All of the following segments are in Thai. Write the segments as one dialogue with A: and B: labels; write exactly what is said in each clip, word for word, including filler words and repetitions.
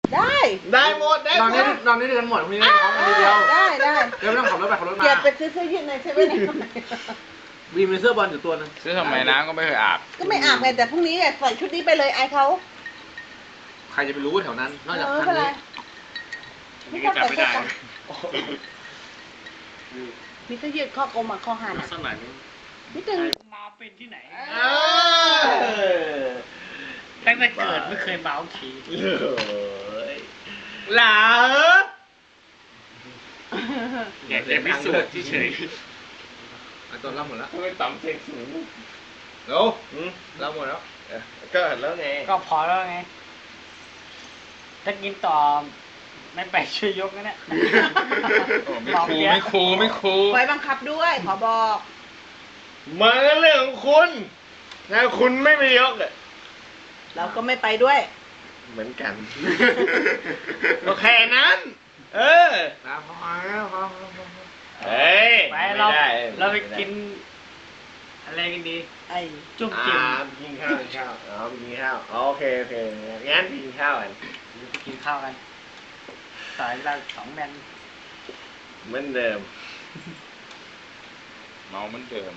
A: ได้
B: ได้หมดได้
C: นอน
B: หม
C: นี่
B: ด
C: นอนนี่ด้วยกันหมดพรุ่งนี้ได้ท้องคนเดียว
A: ได้ได้
C: เดี๋ยวไม่ต้องขับรถไปขับรถมา
A: เกียรติไปซื้อเสื้อยืดในเซเว่น
C: บีมีเสื้อบอลอยู่ตัวนึง
D: ซื้อทำไมน้ำก็ไม่เคยอาบ
A: ก็ไม่อาบไงแต่พรุ่งนี้ใส่ชุดนี้ไปเลยอายเขา
C: ใครจะไปรู้ว่าแถวนั้นนอกจาก
A: เออ
C: ทาง
A: ไม่
C: นี้
A: เป็นไรไม่ต้องใส่เสื้อกันมีเสื้อยืดข้อกลมอ่ะข้อหัน
E: ลักษณะนี้
A: นิดนึง
E: มาเป็นที่ไหน
B: เออ
E: ตั้งแต่เกิดไม่เคยเมาที
B: เลยหลา
E: อยากจะพิสูจน์เฉย
C: ไอ้ตัวเล่าหมดแล้ว
B: ทำไมต่ำเสียงสูง
C: เร็ว
B: อืม
C: เล่าหมดแล้ว
B: เออก็แล้วไง
E: ๆก็พอแล้วไง ถ้ากินต่อไม่ไปช่วยยกนะเนี่ย
D: ไม่คูไม่คูไม่คู
A: ไว้บังคับด้วยขอบอก
B: มันก็เรื่องของคุณนะคุณไม่ไปยกอ่ะ
A: เราก็ไม่ไปด้วย
B: เหมือนกันก็แค่นั้น เออ
C: นะพอแล้วพอพอพอ
B: เฮ้ย
E: ไปเรา
B: ม่ด้
E: เราไปกิน อะไรกันดี
A: ไอ้
E: จุ่ม
B: อ่า
E: จิ้ม
B: ไปกินข้าวกินข้าวอ๋อไปกินข้าวอ๋อโอเคโอเคงั้นไปกินข้าวกัน
E: ไปกินข้าวกันสายละสองแมน
B: เหมือนเดิม
D: เมาเหมือนเดิม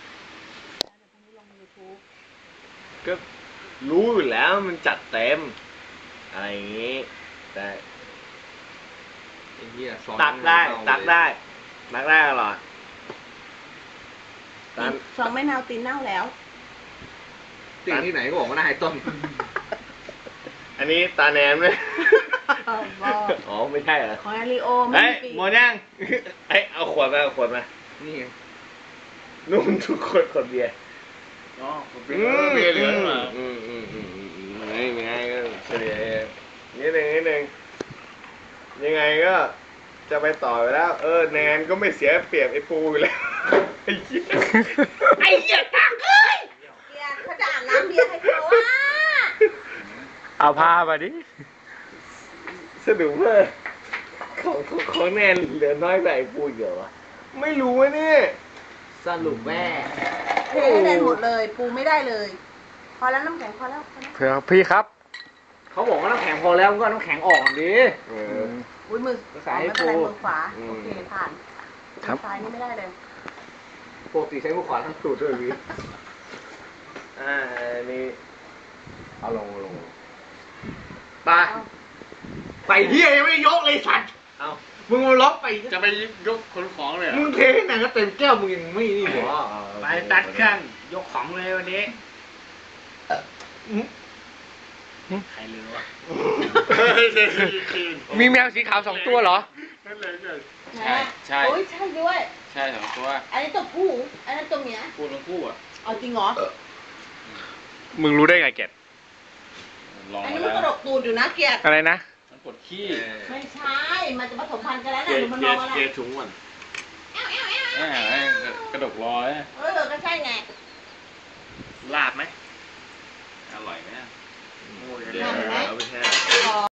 B: ก็รู้อยู่แล้วมันจัดเต็มอะไรอย่างงี้ แต่
C: ไอ้เหี้ยสอน
B: ตักได้
C: เอาเลย
B: ตักได้ตักได้ตลอดตอน
A: สองไม่นาวตีนเน่าแล้ว
C: ติ่งที่ไหนก็บอกว่าหน้าไอ้ต้น
B: อันนี้ตาแนนไหม
A: บอก
B: อ๋อไม่ใช่เหรอ
A: ของอาริโอไม่
B: เฮ้ย
A: มีปีก
B: หมดยังเอ้ยเอาขวดมาเอาขวดมา
C: นี่ไง
B: นู่นทุกคนขวดเบียร์
E: อ๋อ
B: เบียร์เหลือมาอืมอืมอืมอืมอืมไม่ไม่ไงก็เฉลี่ยนิดนึงนิดนึงยังไงก็จะไปต่อไปแล้ว เออแนนก็ไม่เสียเปรียบไอ้ปูอยู่แล้วไอ้เหี้ย
A: ไอ้เหี้ยตักเอ้ยเกียรติเขาจะอาบน้ำเบียร์ให้เขาอ่ะ
D: เอาผ้ามาดิ
B: สนุกมากของของของแนนเหลือน้อยกว่าไอ้ปูเยอะวะไม่รู้วะเนี่ย
C: สรุปแม่
A: เทให้แนนหมดเลย ปูไม่ได้เลย พอแล้วน้ำแข็งพอแล้วพอแล้ว
D: เผื่อพี่ครับ
C: เขาบอกว่าน้ำแข็งพอแล้วมันก็เอาน้ำแข็งออกก่อนดิ
B: เออ
A: อุ้ยมือ
C: สาย
A: ไม่เป็นไร
C: ปู
A: มือขวา
B: อืม
A: โอเคผ่าน
D: ครับ
A: มือซ้ายนี่ไม่ได้เลย
C: ปกติใช้มือขวาทั้งสูตรด้วยพี่
B: อ่าอันนี้
C: เอาลงเอาลงไปไปเหี้ยยังไม่ได้ยกเลยสัตว์
B: เอา
C: มึงมาล็อกไป
E: จะไปยกคนของเลยเหร
C: มึ
E: อง
C: เทให้หนังก็เต็มแก้วมึงยังไม่นี่เลย
B: อ๋อ
E: ไปตัดเครื่องยกของเลยวันนี้ ใครลืมวะ
D: มีแมวสีขาวสองตัวเหรอ
E: นั่นเลยเกิด
D: ใช่ใช่
A: โอ้ยใช่ด้วย
D: ใช่สองตัว
A: อันนี้ตัวผู้อันนั้นตัวเมีย
D: คู่ทั้งคู่อ่ะ
A: เอาจริงเหรอ
D: มึงรู้ได้ไงเกดลอง
A: อัน
D: มา
A: นี้มัน
D: แล้
A: กระด
D: ว
A: กตูดอยู่นะเกียรติ
D: อะไรนะ
E: มันปวดขี้
A: ไม่ใช่ มันจะผสมพันธุ์กันแล้ว
B: เก
A: นะ
B: ย
A: ดูมัน
B: เก
A: มอย งอะไร
B: เกยถุงก่อน
D: แหม่กระดกรอย
A: เออก็ใช่ไง
E: ลาบไหม
D: อร่อยไหม
B: เดี๋ยวเอาไปแช่